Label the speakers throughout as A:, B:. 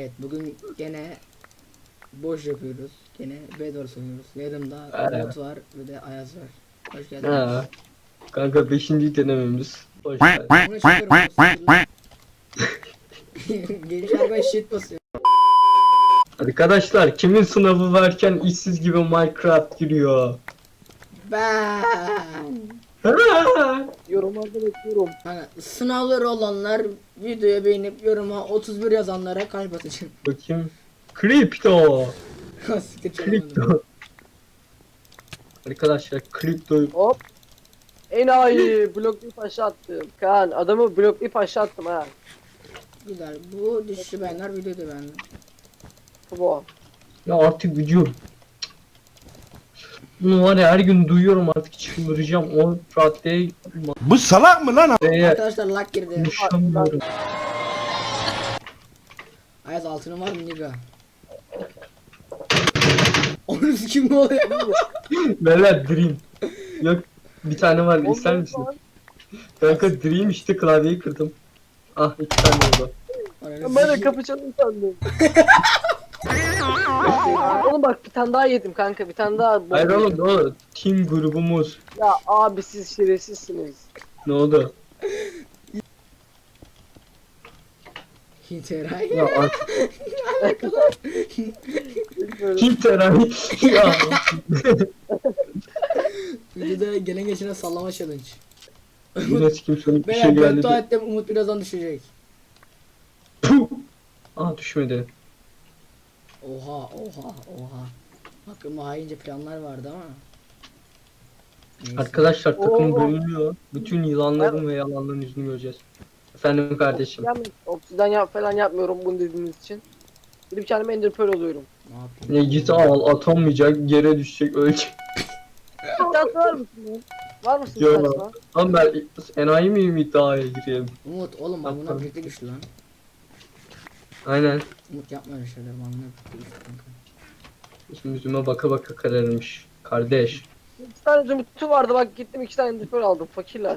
A: Evet, bugün gene boş yapıyoruz. Gene Bedwars oynuyoruz. Yanımda Umut var ve de Ayaz var. Hoş geldiniz.
B: Ha, kanka 5. denememiz. Hoş geldin.
A: Bunu çıkıyorum. Geliş arabaya shit basıyor.
B: Arkadaşlar kimin sınavı varken işsiz gibi Minecraft giriyor?
A: Ben.
B: Ha!
C: Yorumlarda bekliyorum.
A: Hani sınavları olanlar videoya beğenip yoruma 31 yazanlara kalp atacağım.
B: Bakayım. Kripto.
A: Siktir
B: Kripto.
A: çalamadım.
B: Arkadaşlar kripto.
C: Hop. Enayi bloklayıp aşağı attım. Kaan adamı bloklayıp aşağı attım ha.
A: Güzel. Bu düşüşü beğenler videoda beğendim.
C: Bu.
B: Ya artık video. Bunu var ya her gün duyuyorum artık çıldıracağım. O raddeye
D: Bu salak mı lan?
A: Arkadaşlar lag girdi.
B: konuşamıyorum.
A: Ayaz altının var mı Niga? Onun kim mi oluyor?
B: Beyler Dream. Yok bir tane var ister misin? Kanka Dream işte klavyeyi kırdım. Ah 2 tane oldu.
C: Ben de kapı çalın sandım. Oğlum bak bir tane daha yedim kanka, bir tane daha.
B: Hayır oğlum ne oldu? Team grubumuz.
C: Ya abi siz şerefsizsiniz.
B: Ne oldu?
A: Hinteray.
B: Ya artık
C: Böyle.
B: kim teray? Ya.
A: Videoda gelen geçene sallama challenge.
B: Yine kim sonuç bir şey
A: Ben
B: geldi.
A: beddua ettim, Umut birazdan düşecek.
B: Puh! Aa düşmedi.
A: Oha. Hakkımda haince planlar vardı ama. Neyse.
B: Arkadaşlar takım
C: Oo.
B: bölünüyor. Bütün yılanların ve yalanların yüzünü göreceğiz. Efendim kardeşim.
C: Obsidian falan yapmıyorum bunu dediğiniz için. Gidip kendime ender pearl oluyorum.
A: Ne yapayım?
B: Ne git al atamayacak yere düşecek ölecek.
C: İddiası var mısın lan? Var mısın
B: Yok.
C: iddiası?
B: Lan ben enayi miyim iddiaya gireyim?
A: Umut oğlum bak bunlar birlikte güçlü lan.
B: Aynen.
A: Umut yapma öyle şeyler, bak bunlar birlikte güçlü kanka.
B: Şimdi yüzüme baka baka kararmış. Kardeş.
C: 2 tane zümrütü vardı bak, gittim 2 tane ender pearl aldım fakirler.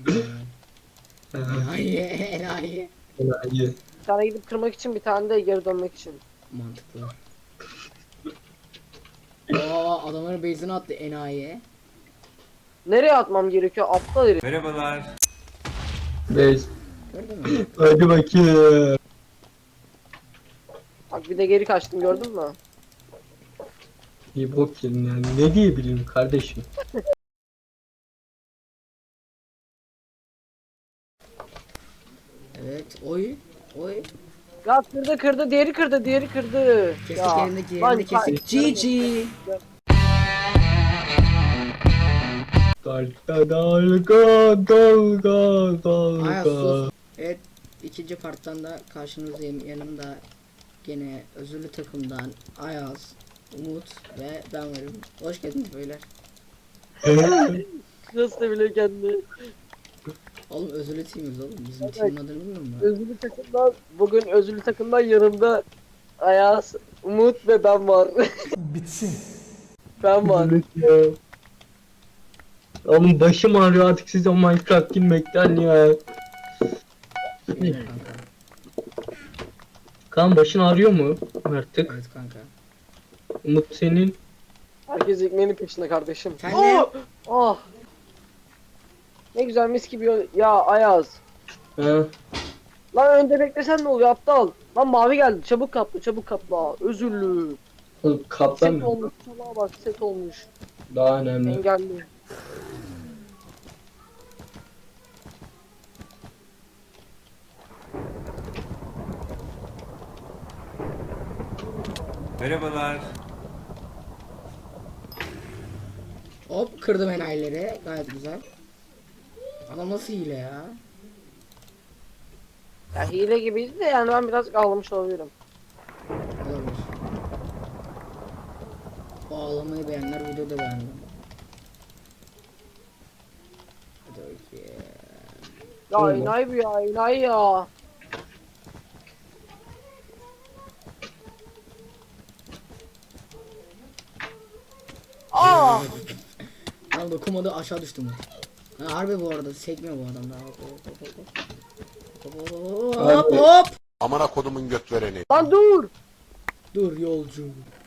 A: Enayi.
B: Enayi.
C: Bir tane gidip kırmak için, bir tane de geri dönmek için.
A: Mantıklı. Aa adamların base'ine attı enayi.
C: Nereye atmam gerekiyor? Aptal herif.
B: Beş.
A: Gördün mü?
B: Hadi bakayım.
C: Bak bir de geri kaçtım, gördün mü?
B: İyi bok yedim yani. Ne diyebilirim kardeşim?
A: Evet oy.
C: Ya kırdı, diğeri kırdı.
A: Kestik
C: Ya,
A: elindeki
C: lan
A: yerini kestik. GG.
B: Dalga dalga dalga
A: Ayaz
B: dalga.
A: sus. Evet ikinci parttan da karşınızdayım. Yanımda gene özürlü takımdan Ayaz, Umut ve ben varım. Hoş geldiniz beyler.
C: Nasıl da bile kendi.
A: Oğlum özürlü teamiz oğlum. Bizim team'in adını bilmiyor musun?
C: Özürlü takımdan, bugün özürlü takımdan yanımda Ayaz, Umut ve ben var.
D: Bitsin.
C: Ben var.
B: Oğlum başım ağrıyor artık size o Minecraft girmekten ya.
A: Evet kanka.
B: Kan başın ağrıyor mu artık?
A: Evet kanka.
B: Umut senin.
C: Herkes ekmeğinin peşinde kardeşim.
A: Sen ne?
C: Oh! Ne güzel mis gibi ya Ayaz.
B: Ha.
C: Lan önde beklesen ne oluyor aptal? Lan mavi geldi, çabuk kapla. Özürlü.
B: Oğlum kaplan
C: Set
B: mı?
C: olmuş, salağa bak, set olmuş.
B: Daha önemli.
C: Engelli.
D: Merhabalar.
A: Hop kırdım enayileri. Gayet güzel. Adam nasıl hile ya?
C: Ya hile gibiydi de yani ben biraz ağlamış olabilirim.
A: Olabilir. O ağlamayı beğenler videoda beğendim. Hadi bakayım.
C: Ya
B: Olma.
C: enayi bu ya, enayi ya. Aa!
A: Lan dokunmadı aşağı düştüm. Ha, harbi bu arada sekmiyor bu adam daha. Hop hop hop. Hop hop hop.
B: Harbi.
A: Hop.
E: Amına kodumun göt vereni.
C: Lan dur.
A: Dur yolcu.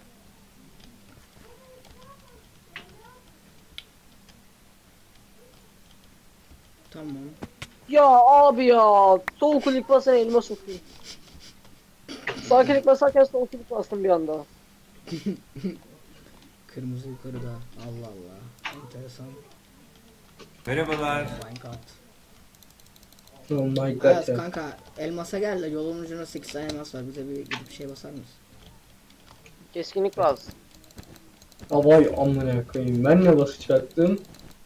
A: Tamam.
C: Ya abi ya. Sol klik basan elma sokayım. Sağ klik basarken sol klik bastım bir anda.
A: Kırmızı yukarıda. Allah Allah. Enteresan.
D: Merhabalar.
A: Minecraft.
B: Oh my god
A: Ayaz
B: ya.
A: kanka elmasa gel de yolun ucuna 8 tane elmas var. Bize bir gidip şey basar mısın?
C: Keskinlik lazım.
B: Vay amına koyayım. Ben ne basacaktım?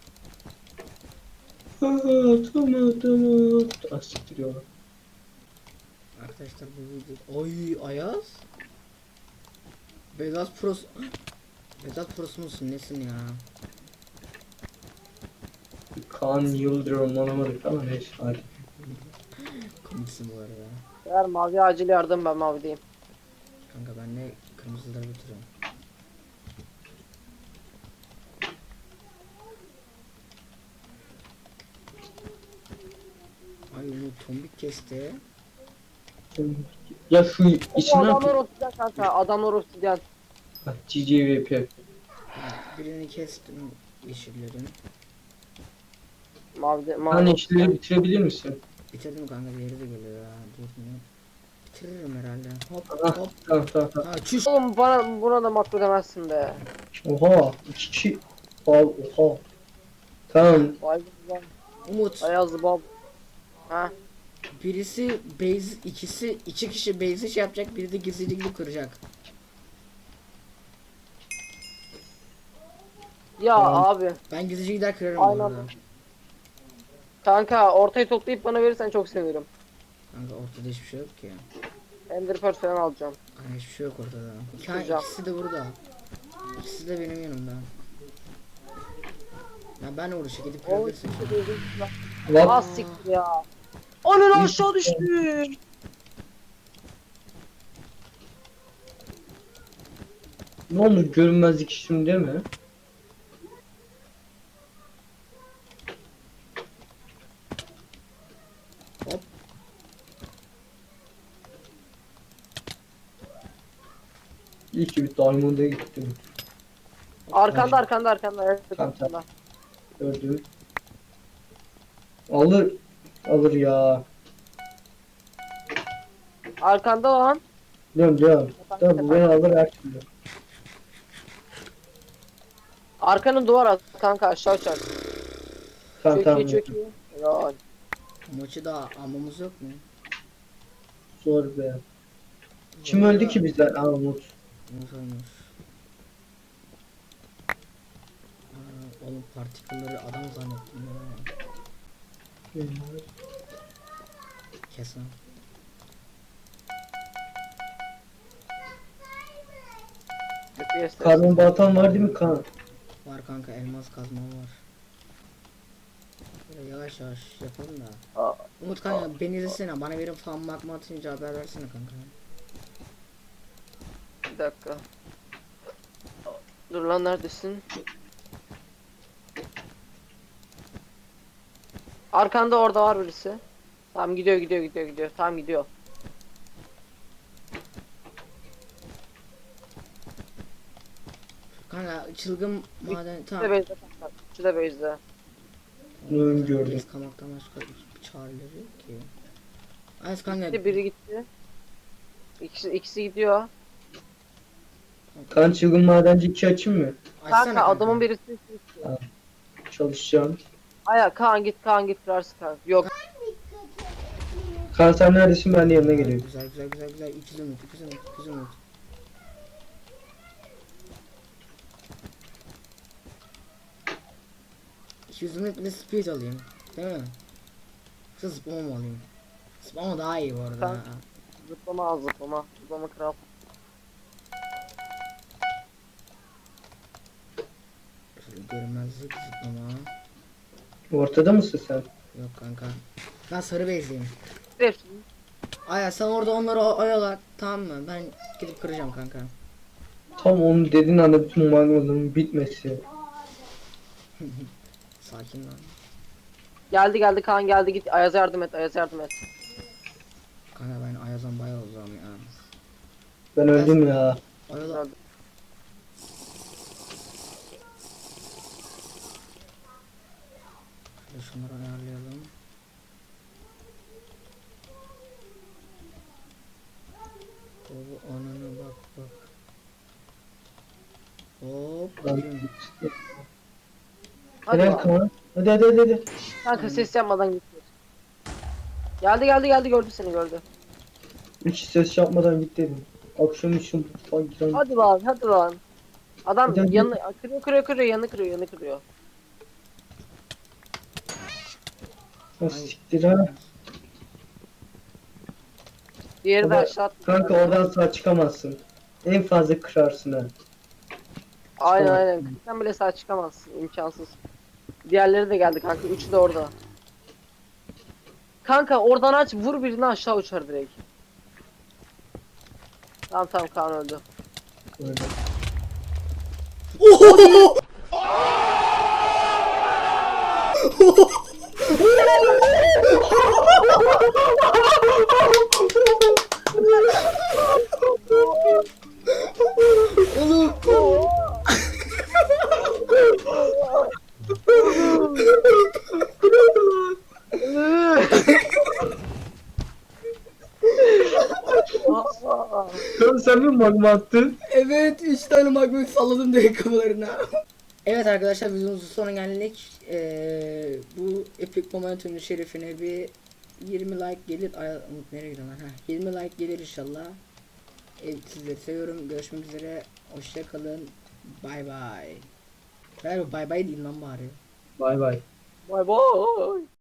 B: Tamam. Asiktiriyorlar.
A: Arkadaşlar bu video... Oy Ayaz. Vedat Pros... Vedat Pros musun nesin ya?
B: Kaan Yıldırım anlamadık ama neyse hadi.
A: Komiksin bu arada.
C: Eğer mavi acil yardım ben mavideyim.
A: Kanka ben de kırmızıları götürüyorum. Ay bu tombik kesti.
B: Ya şu
C: O
B: isim ne
C: adamlar
B: yapıyor?
C: obsidyen kanka. Adamlar obsidyen.
B: GGVP.
A: Birini kestim yeşillerin.
C: Mavi
B: Hani işleri bitirebilir misin?
A: Bitirdim kanka diğeri de geliyor ya. Durmuyor. Bitiririm herhalde. Hop
B: Ah,
A: hop.
B: tamam.
A: Ha çüş.
C: Oğlum buna da makro demezsin be.
B: Oha. 2 kişi. Oha. Tamam.
C: Vay be.
A: Umut.
C: Ayazlı bab. Ha.
A: Birisi base iki kişi base'i şey yapacak, biri de gizlilikli kıracak.
C: Ya
B: Tamam.
C: abi.
A: Ben gizlice gider kırarım bu
C: Aynen.
A: arada.
C: Kanka ortayı toplayıp bana verirsen çok sevinirim.
A: Kanka ortada hiçbir şey yok ki.
C: Ender Pearl falan alacağım.
A: Kanka hiçbir şey yok ortada.
C: Kıracağım.
A: İkisi de burada. İkisi de benim yanımda. Ya ben uğraşa gidip
C: O
A: kırabilirsin.
B: What?
C: Az siktir ya. Onun aşağı düştü.
B: Ne olur görünmezlik işim değil mi?
A: Hop.
B: İyi ki bir Diamond'a gittim.
C: Arkanda. Evet,
B: Tamam,
C: arkanda.
B: Gördüm. Alır ya.
C: Arkanda lan.
B: Diyorum. Tabi bu beni alır her türlü.
C: Arkanın duvar at kanka aşağı uçar.
B: Tamam.
C: Çok iyi. Ya.
A: Maçı da almamız yok mu?
B: Zor be. Kim öldü ki bizden? Aa Umut.
A: Umut olmuş. Oğlum partikülleri adam zannettim ya. Kesin.
B: Karbon baltan var değil mi Kaan?
A: Var kanka elmas kazma var. Böyle yavaş yapalım da.
C: Aa.
A: Umut kanka beni izlesene, bana bir fan magma atınca haber versene kanka.
C: Bir dakika. Dur lan neredesin? Arkanda orada var birisi. Tamam gidiyor. Tamam gidiyor.
A: Kanka çılgın maden
C: Şurada
A: tamam.
C: base'de kanka. Şurada base'de.
B: Bunu gördüm.
A: Biz kamaktan başka bir çareleri yok ki. Az kanka.
C: Biri gitti. İkisi gidiyor.
B: Kaan çılgın madenci 2 açayım mı?
A: Açsana
C: Kanka adamın birisi
B: Çalışacağım.
C: Aya Kaan git kırarsın kanka. Yok.
B: Kaan sen neredesin, ben de yanına geliyorum.
A: Güzel. İkiz umut. 200 umut bir de speed alayım. Değil mi? Yoksa zıplama mı alayım? Zıplama daha iyi bu arada.
C: Kanka. Zıplama. Zıplama kral.
A: Şöyle görünmezlik zıplama.
B: Ortada mısın sen?
A: Yok kanka. Ben sarı bezliyim.
C: Hepsini.
A: Aya sen orada onları oyala, tamam mı? Ben gidip kıracağım kanka.
B: Tam onu dediğin anda bütün magmaların bitmesi.
A: Sakin lan.
C: Geldi Kaan geldi git. Ayaz'a yardım et.
A: Kanka ben Ayaz'dan bayağı uzağım ya.
B: Ben öldüm ya.
A: Ayaz'a... Şöyle şunları ayarlayalım. Baba ananı bak bak. Hop. bakayım.
C: Hadi
B: Helal
C: lan.
B: Kaan. Hadi.
C: Kanka ses yapmadan gitti. Geldi gördü seni gördü.
B: Hiç ses yapmadan git dedim. Akşam için mutfağa giren.
C: Hadi lan. Adam
B: Hadi.
C: yanını kırıyor yanı kırıyor.
B: Ha, siktir ha.
C: Diğeri de
B: Baba,
C: aşağı attı.
B: Kanka oradan sağ çıkamazsın. En fazla kırarsın ha.
C: Aynen. Sen bile sağ çıkamazsın. İmkansız. Diğerleri de geldi kanka. Üçü de orada. Kanka oradan aç vur birini aşağı uçar direkt. Tamam Kaan öldü.
B: Öyle.
A: Oğlum.
B: Kanka sen mi magma attın?
A: Evet 3 tane magma salladım direkt kafalarına. Evet arkadaşlar videomuzun sonuna geldik. Bu Epic Momentum'un şerefine bir 20 like gelir. Ay Umut nereye gidiyorsun lan? 20 like gelir inşallah. Sizleri seviyorum. Görüşmek üzere. Hoşça kalın. Bay bay. Bay bay değil lan bari.
B: Bay bay.
C: Bye bye.